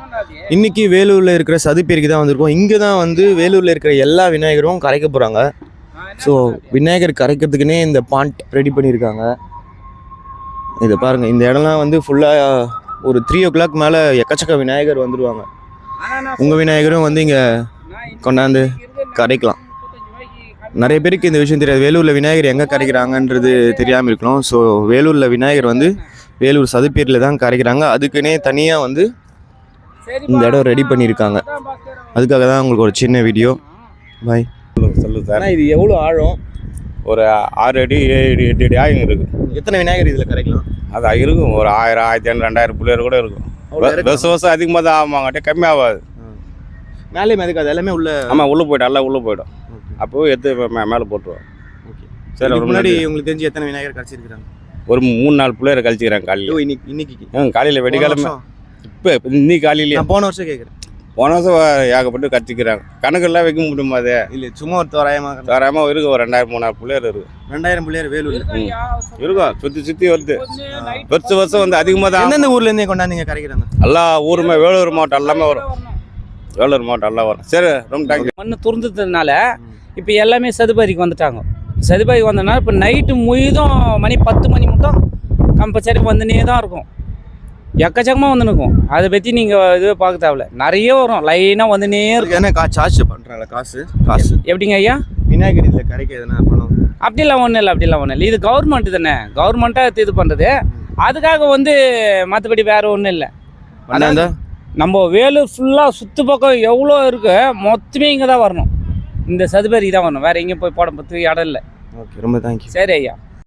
இன்னைக்கு வேலூரில் இருக்கிற சதுப்பேரிக்கு தான் வந்திருக்கோம். இங்கே தான் வந்து வேலூரில் இருக்கிற எல்லா விநாயகரும் கரைக்க போகிறாங்க. ஸோ விநாயகர் கரைக்கிறதுக்குன்னே இந்த பாண்ட் ரெடி பண்ணியிருக்காங்க. இதை பாருங்கள், இந்த இடம்லாம் வந்து ஃபுல்லாக ஒரு 3 o'clock மேலே எக்கச்சக்க விநாயகர் வந்துடுவாங்க. உங்கள் விநாயகரும் வந்து இங்கே கொண்டாந்து கரைக்கலாம். நிறைய பேருக்கு இந்த விஷயம் தெரியாது. வேலூரில் விநாயகர் எங்கே கரைக்கிறாங்கன்றது தெரியாமல் இருக்கலாம். ஸோ வேலூரில் விநாயகர் வந்து வேலூர் சதுப்பேரியில் தான் கரைக்கிறாங்க. அதுக்குன்னே தனியாக வந்து இந்த இடம் ரெடி பண்ணியிருக்காங்க. அதுக்காக தான் உங்களுக்கு ஒரு சின்ன வீடியோ. பாய். சொல்லுங்க சார். இது எவ்வளோ ஆழம்? ஒரு 6 அடி 7 அடி 8 அடி ஆகும் இருக்குது. எத்தனை விநாயகர் இதில் கரைக்கலாம்? அது இருக்கும், ஒரு 1000 1500 2000 பிள்ளையர் கூட இருக்கும். வருஷம் அதிகமாக தான் ஆமாங்கட்டே, கம்மியாகாது. மேலே மிதக்காது, எல்லாமே உள்ள. ஆமாம், உள்ளே போய்டும், எல்லாம் உள்ளே போய்டும். அப்போவே எடுத்து மேலே போட்டுருவோம். ஓகே சரி. அதுக்கு முன்னாடி உங்களுக்கு தெரிஞ்சு எத்தனை விநாயகர் கரைச்சிருக்கிறாங்க? ஒரு 3-4 பிள்ளையர் கழிச்சிக்கிறாங்க காலையில். இன்னைக்கு காலையில் வெடிக்காலமே. இப்போ இன்னைக்கு காலையிலேயே. நான் போன வருஷம் கேட்குறேன். போன வருஷம் ஏகப்பட்டு கழிச்சிக்கிறாங்க. கணக்கெல்லாம் வைக்க முடியுமா? அது இல்லை, சும்மா ஒரு தோராயமாக இருக்கும். ஒரு 2000-3000 பிள்ளையர் இருக்கும். 2000 பிள்ளையர் வேலூர் இருக்கும். சுற்றி வருது. வருஷம் வந்து அதிகமாக தான். எந்தெந்த ஊர்லேருந்தே கொண்டாந்து கரைக்கிறாங்க? எல்லா ஊருமே, வேலூர் மாவட்டம் எல்லாமே வரும். வேலூர் மாவட்டம் எல்லாம் வரும். சரி, ரொம்ப தேங்க்யூ. மண்ணு துறந்ததுனால இப்போ எல்லாமே சதுபாரிக்கு வந்துட்டாங்க. சதுபாரிக்கு வந்ததுனால இப்போ நைட்டு முழுதும் மணி 10 மணி மட்டும் கம்பல்சரி வந்துனே தான் இருக்கும். எக்கச்சக்கமாக வந்து நிற்கும். அதை பற்றி நீங்கள் இதுவே பார்க்க தேவையில்ல, நிறைய வரும், லைனாக வந்துனே இருக்கும். ஏன்னா சார்ஜ் பண்ணுறாங்களா? காசு எப்படிங்க ஐயா? விநாயகர் இதில் கரைக்க எதுனா பணம்? அப்படிலாம் ஒன்றும் இல்லை. இது கவர்மெண்ட்டு தானே, கவர்மெண்ட்டாக இது பண்ணுறது. அதுக்காக வந்து மற்றபடி வேறு ஒன்றும் இல்லை. அதான் நம்ம வேலூர் ஃபுல்லாக சுற்று பக்கம் எவ்வளோ இருக்குது மொத்தமே இங்கே தான் வரணும். இந்த சதுபாரி தான் வரணும், வேறு எங்கேயும் போய் போட பற்றி இடம் இல்லை. ஓகே, ரொம்ப தேங்க்யூ. சரி ஐயா.